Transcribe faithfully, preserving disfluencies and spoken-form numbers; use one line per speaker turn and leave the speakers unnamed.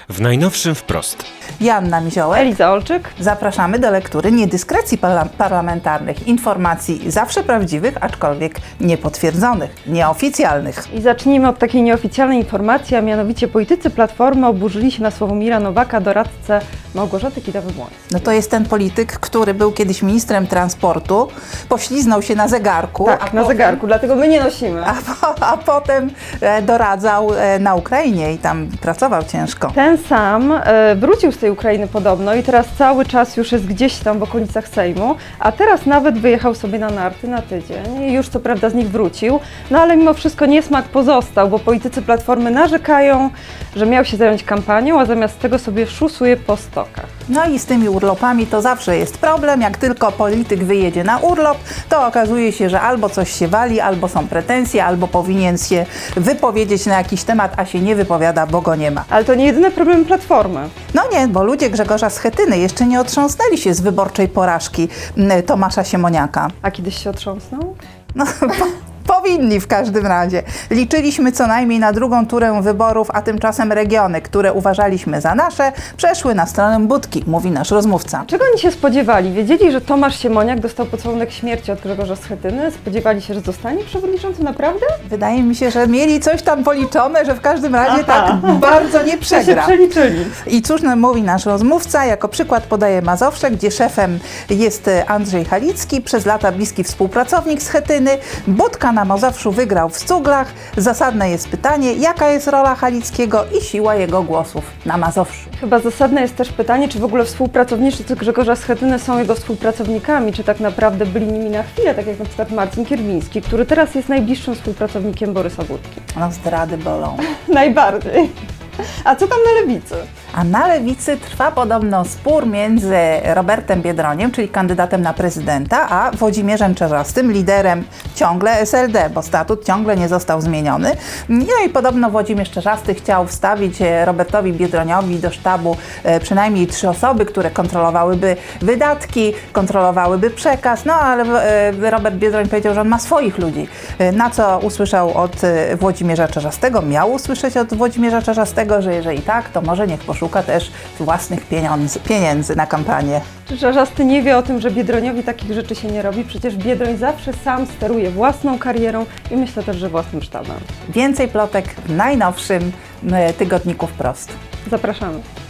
W najnowszym wprost.
Joanna Miziołek.
Eliza Olczyk.
Zapraszamy do lektury niedyskrecji parla parlamentarnych, informacji zawsze prawdziwych, aczkolwiek niepotwierdzonych, nieoficjalnych.
I zacznijmy od takiej nieoficjalnej informacji, a mianowicie politycy Platformy oburzyli się na Sławomira Nowaka, doradcę Małgorzaty Kidawy-Błońskiej.
No to jest ten polityk, który był kiedyś ministrem transportu, pośliznął się na zegarku.
Tak,
a
na
potem,
zegarku, dlatego my nie nosimy.
A, po, a potem e, doradzał e, na Ukrainie i tam pracował ciężko.
Ten sam e, wrócił z tej Ukrainy podobno i teraz cały czas już jest gdzieś tam w okolicach Sejmu, a teraz nawet wyjechał sobie na narty na tydzień i już co prawda z nich wrócił, no ale mimo wszystko niesmak pozostał, bo politycy Platformy narzekają, że miał się zająć kampanią, a zamiast tego sobie szusuje po stokach.
No i z tymi urlopami to zawsze jest problem. Jak tylko polityk wyjedzie na urlop, to okazuje się, że albo coś się wali, albo są pretensje, albo powinien się wypowiedzieć na jakiś temat, a się nie wypowiada, bo go nie ma.
Ale to nie jedyny problem Platformy.
No nie, bo ludzie Grzegorza Schetyny jeszcze nie otrząsnęli się z wyborczej porażki m, Tomasza Siemoniaka.
A kiedyś się otrząsnął?
No, po, powinni w każdym razie. Liczyliśmy co najmniej na drugą turę wyborów, a tymczasem regiony, które uważaliśmy za nasze, przeszły na stronę Budki, mówi nasz rozmówca.
Czego oni się spodziewali? Wiedzieli, że Tomasz Siemoniak dostał pocałunek śmierci od Grzegorza Schetyny? Spodziewali się, że zostanie przewodniczącym? Naprawdę?
Wydaje mi się, że mieli coś tam policzone, że w każdym razie
Aha.
tak bardzo nie
To się
przegra.
przeliczyli.
I cóż nam mówi nasz rozmówca? Jako przykład podaje Mazowsze, gdzie szefem jest Andrzej Halicki, przez lata bliski współpracownik Schetyny. Budka na Mazowszu wygrał w Cuglach. Zasadne jest pytanie, jaka jest rola Halickiego i siła jego głosów na Mazowszu.
Chyba zasadne jest też pytanie, czy w ogóle współpracownicy Grzegorza Schetyny są jego współpracownikami, czy tak naprawdę byli nimi na chwilę, tak jak na przykład Marcin Kierwiński, który teraz jest najbliższym współpracownikiem Borysa Budki.
No zdrady bolą.
Najbardziej. A co tam na lewicy?
A na lewicy trwa podobno spór między Robertem Biedroniem, czyli kandydatem na prezydenta, a Włodzimierzem Czarzastym, liderem ciągle S L D, bo statut ciągle nie został zmieniony. No i podobno Włodzimierz Czarzasty chciał wstawić Robertowi Biedroniowi do sztabu przynajmniej trzy osoby, które kontrolowałyby wydatki, kontrolowałyby przekaz, no ale Robert Biedroń powiedział, że on ma swoich ludzi. Na co usłyszał od Włodzimierza Czarzastego, miał usłyszeć od Włodzimierza Czarzastego, że jeżeli tak, to może niech poszuka też własnych pieniędzy, pieniędzy na kampanię.
Czy Czarzasty nie wie o tym, że Biedroniowi takich rzeczy się nie robi? Przecież Biedroń zawsze sam steruje własną karierą i myślę też, że własnym sztabem.
Więcej plotek w najnowszym tygodniku Wprost.
Zapraszamy.